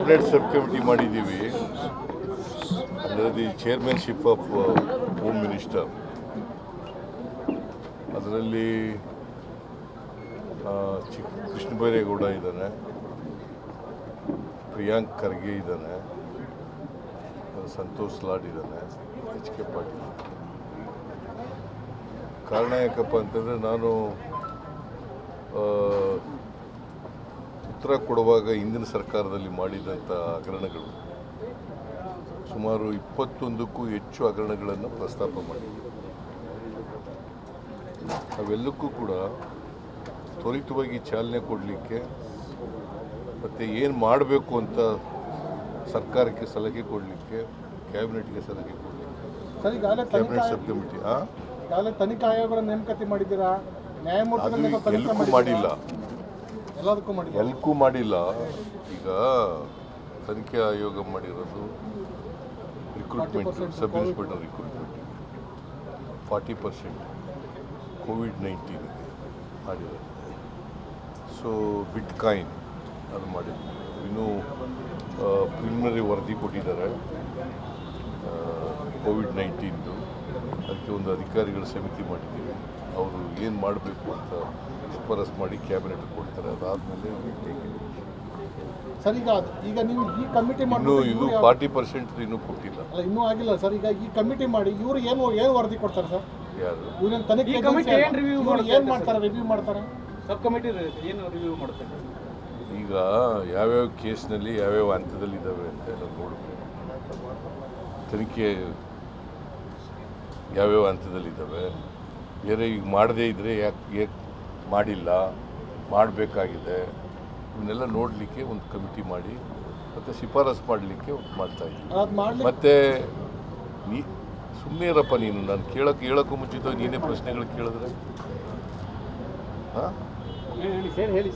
Cabinet sub committee ಮಾಡಿದ್ದೀವಿ. ಅಂದರೆ the chairmanship of home minister. ಅದರಲ್ಲಿ ಕೃಷ್ಣ ಬೈರೇಗೌಡ ಇದ್ದಾನೆ, ಪ್ರಿಯಾಂಕ್ ಖರ್ಗೆ ಇದ್ದಾನೆ, ಸಂತೋಷ್ ಲಾಡ್ ಇದ್ದಾನೆ, ಎಚ್ ಕೆ ಪಾಟೀಲ್. ಕಾರಣ ಯಾಕಪ್ಪ ಅಂತಂದರೆ ನಾನು ಉತ್ತರ ಕೊಡುವಾಗ ಹಿಂದಿನ ಸರ್ಕಾರದಲ್ಲಿ ಮಾಡಿದಂಥ ಹಗರಣಗಳು ಸುಮಾರು 21ಕ್ಕೂ ಹೆಚ್ಚು ಹಗರಣಗಳನ್ನು ಪ್ರಸ್ತಾಪ ಮಾಡಿದ್ವಿ. ಅವೆಲ್ಲಕ್ಕೂ ಕೂಡ ತ್ವರಿತವಾಗಿ ಚಾಲನೆ ಕೊಡಲಿಕ್ಕೆ ಮತ್ತು ಏನು ಮಾಡಬೇಕು ಅಂತ ಸರ್ಕಾರಕ್ಕೆ ಸಲಹೆ ಕೊಡಲಿಕ್ಕೆ, ಕ್ಯಾಬಿನೆಟ್ಗೆ ಸಲಹೆ ಕೊಡಲಿಕ್ಕೆ ಕ್ಯಾಬಿನೆಟ್ ಸಬ್ ಕಮಿಟಿ ತನಿಖಾ ಆಯೋಗಗಳ ನೇಮಕಾತಿ ಮಾಡಿದ್ದೀರಾ? ಎಲ್ಲಕ್ಕೂ ಮಾಡಿಲ್ಲ, ಎಲ್ಲಕ್ಕೂ ಮಾಡಿಲ್ಲ. ಈಗ ತನಿಖೆ ಆಯೋಗ ಮಾಡಿರೋದು ರಿಕ್ರೂಟ್ಮೆಂಟ್, ಸಬ್ ಇನ್ಸ್ಪೆಕ್ಟರ್ ರಿಕ್ರೂಟ್ಮೆಂಟ್ 40% ಕೋವಿಡ್-19 ಮಾಡಿರೋದು. ಸೊ ಬಿಟ್ಕಾಯಿನ್ ಅದು ಮಾಡಿದ್ವಿ. ಇನ್ನೂ ಪ್ರಿಲಿಮಿನರಿ ವರದಿ ಕೊಟ್ಟಿದ್ದಾರೆ ಕೋವಿಡ್-19ದು. ಅದಕ್ಕೆ ಒಂದು ಅಧಿಕಾರಿಗಳ ಸಮಿತಿ ಮಾಡಿದ್ದೀವಿ. ಅವರು ಏನು ಮಾಡಬೇಕು ಅಂತ ಶಿಫಾರಸು ಮಾಡಿ ಕ್ಯಾಬಿನೆಟ್ ಕೊಡ್ತಾರೆ. ಅದಾದಮೇಲೆ ಸರ್ ಈಗ ನೀವು ಈ ಕಮಿಟಿ ಇನ್ನೂ ಇದು 40% ಇನ್ನೂ ಕೊಟ್ಟಿಲ್ಲ, ಇನ್ನೂ ಆಗಿಲ್ಲ ಸರ್. ಈಗ ಈ ಕಮಿಟಿ ಮಾಡಿ ಇವರು ಏನು ವರದಿ ಕೊಡ್ತಾರೆ ಸರ್? ಯಾರು ಇವ್ರೇನು ತನಿಖೆ ಏನು ಮಾಡ್ತಾರೆ, ರಿವ್ಯೂ ಮಾಡ್ತಾರೆ? ಸಬ್ ಕಮಿಟಿ ಏನು ರಿವ್ಯೂ ಮಾಡ್ತಾರೆ? ಈಗ ಯಾವ್ಯಾವ ಕೇಸ್ನಲ್ಲಿ ಯಾವ್ಯಾವ ಹಂತದಲ್ಲಿದ್ದಾವೆ ಅಂತ ನಾವು ನೋಡಬೇಕು. ತನಿಖೆ ಯಾವ್ಯಾವ ಹಂತದಲ್ಲಿದ್ದಾವೆ, ಬೇರೆ ಈಗ ಮಾಡದೇ ಇದ್ದರೆ ಯಾಕೆ ಮಾಡಿಲ್ಲ, ಮಾಡಬೇಕಾಗಿದೆ, ಇವನ್ನೆಲ್ಲ ನೋಡಲಿಕ್ಕೆ ಒಂದು ಕಮಿಟಿ ಮಾಡಿ ಮತ್ತು ಶಿಫಾರಸು ಮಾಡಲಿಕ್ಕೆ ಮಾಡ್ತಾಯಿದ್ವಿ. ಮತ್ತು ಸುಮ್ಮನೆ ಇರಪ್ಪ ನೀನು, ನಾನು ಹೇಳೋಕ್ಕೂ ಮುಂಚಿತವಾಗಿ ನೀನೇ ಪ್ರಶ್ನೆಗಳು ಕೇಳಿದ್ರೆ ಹೇಳಿ.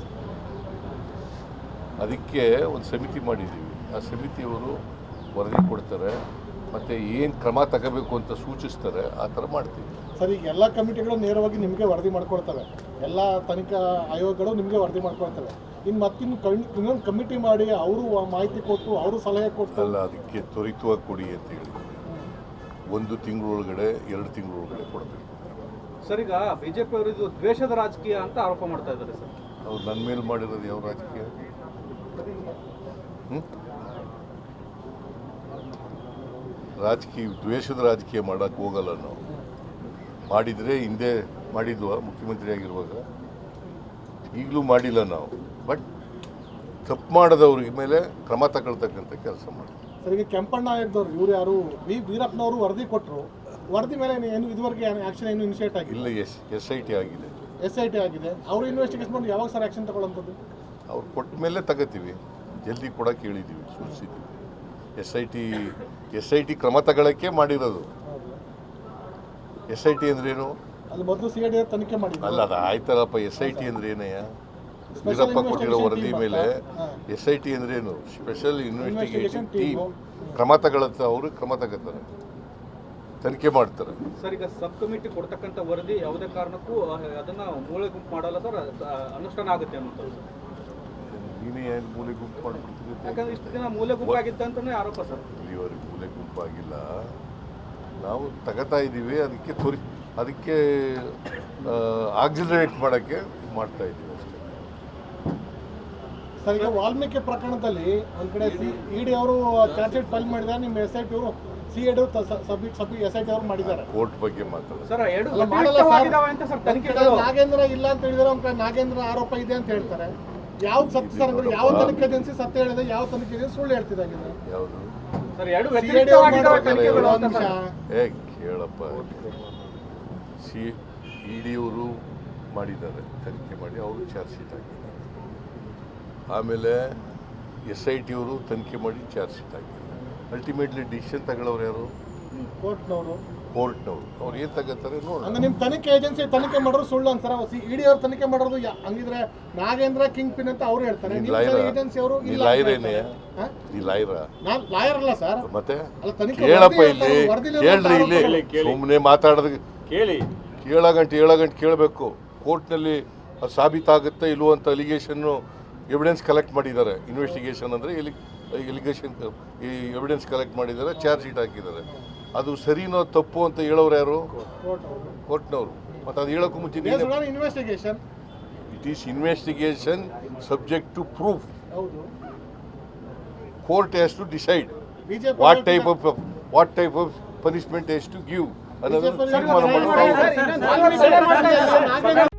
ಅದಕ್ಕೆ ಒಂದು ಸಮಿತಿ ಮಾಡಿದ್ದೀವಿ. ಆ ಸಮಿತಿಯವರು ವರದಿ ಕೊಡ್ತಾರೆ ಮತ್ತು ಏನು ಕ್ರಮ ತಗೋಬೇಕು ಅಂತ ಸೂಚಿಸ್ತಾರೆ, ಆ ಥರ ಮಾಡ್ತೀವಿ. ಸರ್, ಈಗ ಎಲ್ಲ ಕಮಿಟಿಗಳು ನೇರವಾಗಿ ನಿಮಗೆ ವರದಿ ಮಾಡ್ಕೊಳ್ತವೆ, ಎಲ್ಲ ತನಿಖಾ ಆಯೋಗಗಳು ನಿಮಗೆ ವರದಿ ಮಾಡ್ಕೊಳ್ತವೆ. ಇನ್ನೊಂದು ಕಮಿಟಿ ಮಾಡಿ ಅವರು ಮಾಹಿತಿ ಕೊಟ್ಟು ಅವರು ಸಲಹೆ ಕೊಟ್ಟು ಅಲ್ಲ, ಅದಕ್ಕೆ ತ್ವರಿತವಾಗಿ ಕೊಡಿ ಅಂತ ಹೇಳಿದ್ವಿ. 1 ತಿಂಗಳೊಳಗಡೆ 2 ತಿಂಗಳೊಳಗಡೆ ಕೊಡಬೇಕು. ಸರ್, ಈಗ ಬಿಜೆಪಿ ಅವರು ಇದು ದ್ವೇಷದ ರಾಜಕೀಯ ಅಂತ ಆರೋಪ ಮಾಡ್ತಾ ಇದ್ದಾರೆ ಸರ್. ಅವ್ರು ನನ್ನ ಮೇಲೆ ಮಾಡಿರೋದು ಯಾವ ರಾಜಕೀಯ? ದ್ವೇಷದ ರಾಜಕೀಯ ಮಾಡೋಕ್ಕೆ ಹೋಗಲ್ಲ ನಾವು. ಮಾಡಿದರೆ ಹಿಂದೆ ಮಾಡಿದ್ವ ಮುಖ್ಯಮಂತ್ರಿ ಆಗಿರುವಾಗ, ಈಗಲೂ ಮಾಡಿಲ್ಲ ನಾವು. ಬಟ್ ತಪ್ಪು ಮಾಡೋದವ್ರಿಗೆ ಮೇಲೆ ಕ್ರಮ ತಗೊಳ್ತಕ್ಕಂಥ ಕೆಲಸ ಮಾಡ್ತೀವಿ. ಸರ್, ಈಗ ಕೆಂಪಣ್ಣ ಆಗಿದ್ದವ್ರು ಇವ್ರು ಯಾರು ವೀರಪ್ಪನವರು ವರದಿ ಕೊಟ್ಟರು, ವರದಿ ಮೇಲೆ ಏನು ಇದುವರೆಗೆ ಆ್ಯಕ್ಷನ್ ಏನು ಇನಿಷಿಯೇಟ್ ಆಗಿಲ್ಲ? ಇಲ್ಲ, SIT ಆಗಿದೆ. SIT ಆಗಿದೆ. ಅವರು ಇನ್ವೆಸ್ಟಿಗೇಷನ್ ಮಾಡಿ ಯಾವಾಗ ಸರ್ ಆ್ಯಕ್ಷನ್ ತಗೊಳ್ಳೋಂಥದ್ದು? ಅವ್ರು ಕೊಟ್ಟ ಮೇಲೆ ತಗೋತೀವಿ. ಜಲ್ದಿ ಕೊಡೋಕೆ ಹೇಳಿದ್ದೀವಿ, ಸೂಚಿಸಿದ್ದೀವಿ. SIT ಕ್ರಮ ತಗೊಳ್ಳೋಕ್ಕೆ ಮಾಡಿರೋದು. SIT ಅಂದ್ರೇನು? ಅದು ಮೊದಲು CID ತನಿಖೆ ಮಾಡಿ ಅಲ್ಲ, ಅದು ಆಯ್ತಲ್ಲಪ್ಪ. SIT ಅಂದ್ರೆ ಏನಯ್ಯ? ವೀರಪ್ಪ ಕೊಟ್ಟಿರೋ ವರದಿ ಮೇಲೆ SIT ಅಂದ್ರೇನು? ಸ್ಪೆಷಲ್ ಇನ್ವೆಸ್ಟಿಗೇಷನ್ ಟೀಮ್ ಕ್ರಮ ತಗೊಳುತ್ತೆ. ಅವರು ಕ್ರಮ ತಗೋತಾರೆ, ತನಿಖೆ ಮಾಡ್ತಾರೆ. ಸರ್, ಈಗ ಸಬ್ ಕಮಿಟಿ ಕೊಡ್ತಕ್ಕಂಥ ವರದಿ ಯಾವುದೇ ಕಾರಣಕ್ಕೂ ಅದನ್ನ ಮೂಲೆ ಗುಂಪು ಮಾಡಲ್ಲ ಸರ್, ಅನುಷ್ಠಾನ ಆಗುತ್ತೆ ಅನ್ನೋದು. ನೀನೇ ಏನು ಮೂಲೆ ಗುಂಪು ಮಾಡ್ಬಿಡ್ತೀವಿ? ಯಾಕಂದ್ರೆ ಇಷ್ಟು ದಿನ ಮೂಲೆ ಗುಂಪು ಆಗಿತ್ತು ಅಂತಾನೆ ಆರೋಪ ಸರ್. ಇಲ್ಲಿವರೆಗೆ ಮೂಲೆ ಗುಂಪಾಗಿಲ್ಲ, ನಾವು ತಗೋತಾ ಇದ್ದೀವಿ. ಅದಕ್ಕೆ ಆಕ್ಸಿಲರೇಟ್ ಮಾಡೋಕ್ಕೆ ಮಾಡ್ತಾ ಇದ್ದೀವಿ ಅಷ್ಟೇ. ಸರ್, ಈಗ ವಾಲ್ಮೀಕಿ ಪ್ರಕರಣದಲ್ಲಿ ಒಂದು ಕಡೆ ED ಅವರು ಚಾರ್ಜ್ ಶೀಟ್ ಫೈಲ್ ಮಾಡಿದ್ದಾರೆ, ನಿಮ್ಮ SIT ಅವರು CID SIT ಅವರು ಮಾಡಿದ್ದಾರೆ. ಕೋರ್ಟ್ ಬಗ್ಗೆ ಮಾತಾಡೋದು ಸರ್, ನಾಗೇಂದ್ರ ಇಲ್ಲ ಅಂತ ಹೇಳಿದ್ರೆ ಒಂದು ಕಡೆ ನಾಗೇಂದ್ರ ಆರೋಪ ಇದೆ ಅಂತ ಹೇಳ್ತಾರೆ. ಯಾವ ಸತ್ಯ ಸರ್? ಯಾವ ತನಿಖೆ ಏಜೆನ್ಸಿ ಸತ್ಯ ಹೇಳಿದೆ, ಯಾವ ತನಿಖೆ ಏಜೆನ್ಸಿ ಸುಳ್ಳು ಹೇಳ್ತಿದ್ದಾಗಿದೆ? ಯಾವುದು? ಕೇಳಪ್ಪ, ED ಅವರು ಮಾಡಿದ್ದಾರೆ, ತನಿಖೆ ಮಾಡಿ ಅವರು ಚಾರ್ಜ್ ಶೀಟ್ ಹಾಕಿದ್ದಾರೆ. ಆಮೇಲೆ SIT ಅವರು ತನಿಖೆ ಮಾಡಿ ಚಾರ್ಜ್ ಶೀಟ್ ಹಾಕಿದ್ದಾರೆ. ಅಲ್ಟಿಮೇಟ್ಲಿ ಡಿಸಿಷನ್ ತಗೊಳ್ಳೋರು ಯಾರು? ಕೋರ್ಟ್ನವರು. ಅವ್ರು ಏನು ತಗೋತಾರೆ ನೋಡಿ. ಅಂದ್ರೆ ನಿಮ್ಮ ತನಿಖೆ ಏಜೆನ್ಸಿ ತನಿಖೆ ಮಾಡೋರು ಸುಳ್ಳು ಅಂತಾರೆ. ED ಅವ್ರು ತನಿಖೆ ಮಾಡೋದು ಹಂಗಿದ್ರೆ ನಾಗೇಂದ್ರ ಕಿಂಗ್ ಪಿನ್ ಅಂತ ಅವ್ರು ಹೇಳ್ತಾರೆ. ಏಜೆನ್ಸಿ ಅವರು ಲಾಯರ್ ಅಲ್ಲ ಸರ್. ಮತ್ತೆ ಕೇಳಪ್ಪ, ಇಲ್ಲಿ ಕೇಳ್ರಿ, ಇಲ್ಲಿ ಸುಮ್ಮನೆ ಮಾತಾಡೋದು ಕೇಳಗಂಟೆ ಕೇಳಬೇಕು. ಕೋರ್ಟ್ನಲ್ಲಿ ಅದು ಸಾಬೀತಾಗುತ್ತೆ ಇಲ್ವೋ ಅಂತ ಅಲಿಗೇಷನ್ನು ಎವಿಡೆನ್ಸ್ ಕಲೆಕ್ಟ್ ಮಾಡಿದ್ದಾರೆ. ಇನ್ವೆಸ್ಟಿಗೇಷನ್ ಅಂದರೆ ಇಲ್ಲಿ ಎಲಿಗೇಷನ್ ಈ ಎವಿಡೆನ್ಸ್ ಕಲೆಕ್ಟ್ ಮಾಡಿದ್ದಾರೆ, ಚಾರ್ಜ್ ಶೀಟ್ ಹಾಕಿದ್ದಾರೆ. ಅದು ಸರಿನೋ ತಪ್ಪು ಅಂತ ಹೇಳೋರು ಯಾರು? ಕೋರ್ಟ್ನವರು. ಮತ್ತು ಅದು ಹೇಳೋಕ್ಕೂ ಮುಂಚೆ investigation it is investigation subject to proof. ಹೌದು, court has to decide BJP what type of punishment has to give ಅನ್ನೋದನ್ನು ತೀರ್ಮಾನ ಮಾಡಬೇಕು.